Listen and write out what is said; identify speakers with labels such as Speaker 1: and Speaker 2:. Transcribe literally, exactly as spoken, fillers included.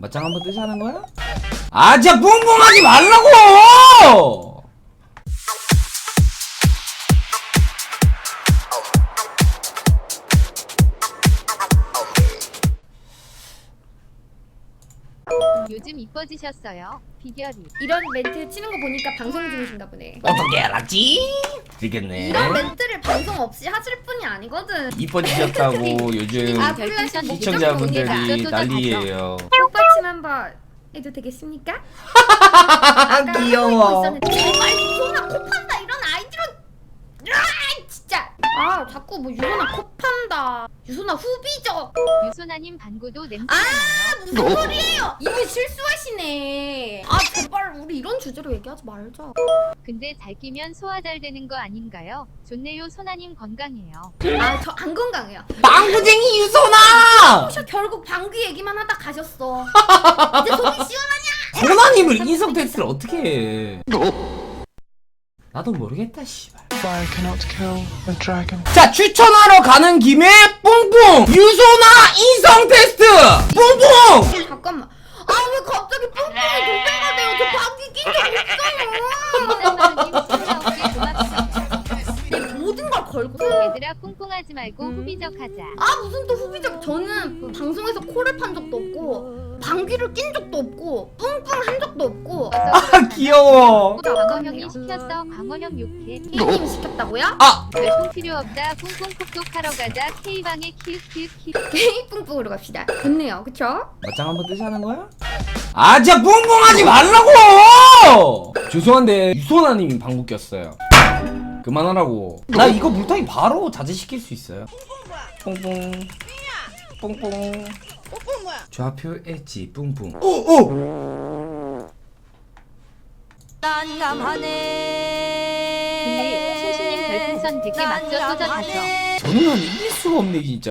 Speaker 1: 맞짱 한번 뜨자는 거야? 아 진짜 뿡뿡하지 말라고!
Speaker 2: 요즘 이뻐지셨어요. 비결이.
Speaker 3: 이런 멘트 치는 거 보니까 방송 중이신가 보네.
Speaker 1: 어떻게 알았지? 되겠네.
Speaker 3: 이런 멘트를 방송 없이 하실 분이 아니거든.
Speaker 1: 이뻐지셨다고 요즘
Speaker 3: 아, 플래시
Speaker 1: 시청자분들이 난리예요.
Speaker 3: 꽃받침 한번 해도 되겠습니까?
Speaker 1: 귀여워.
Speaker 3: 제발 유소나 코 판다 이런 아이디로. 아 진짜. 아 자꾸 뭐 유소나 코 판다. 유소나 후비적.
Speaker 2: 유소나님 방구도 냄새
Speaker 3: 아
Speaker 2: 나요.
Speaker 3: 무슨 소리예요? 이미 실수하시네. 아 제발 우리 이런 주제로 얘기하지 말자.
Speaker 2: 근데 잘 끼면 소화 잘 되는 거 아닌가요? 좋네요. 소나님 건강해요.
Speaker 3: 아 저 안 건강해요.
Speaker 1: 망구쟁이 유소나!
Speaker 3: 저 결국 방귀 얘기만 하다 가셨어. 이제 속이 시원하냐?
Speaker 1: 소나님을 인성 테스트를 어떻게 해? 나도 모르겠다 씨발.
Speaker 4: Fire cannot kill a dragon.
Speaker 1: 자 추천하러 가는 김에 뿡뿡 유소나 인성 테스트 뿡뿡.
Speaker 3: 잠깐만. 아 왜 갑자기 뿡뿡이 도배가 돼요? 저 방귀 낀적 없어요.
Speaker 2: 짠마루님 진짜 없게 고맙습니다.
Speaker 3: 내 모든 걸 걸고.
Speaker 2: 얘들아 꿍꿍하지 말고 후비적 하자.
Speaker 3: 아 무슨 또 후비적. 저는 방송에서 코를 판 적도 없고 방귀를 낀 적도 없고 뿡뿡 한 적도 없고.
Speaker 1: 아 귀여워.
Speaker 2: 광어형이 시켰어. 광어형 욕해.
Speaker 3: K님 시켰다고요?
Speaker 1: 아
Speaker 2: 별풍 필요 없다. 꿍꿍 콕톡하러 가자. K방에 키키키.
Speaker 3: K 뿡뿡으로 갑시다. 좋네요, 그쵸?
Speaker 1: 맞짱 한번 뜨자는 거야? 아 진짜 뿡뿡하지 말라고! 죄송한데 유소나님이 방구 꼈어요. 그만하라고. 나 이거 물타기 바로 자제시킬 수 있어요. 뿡뿡 뿡뿡 좌표 엣지 뿡뿡 오오!
Speaker 2: 근데 순수님 별풍선 되게 막져 터져 다져.
Speaker 1: 저는 이길 수가 없네 진짜.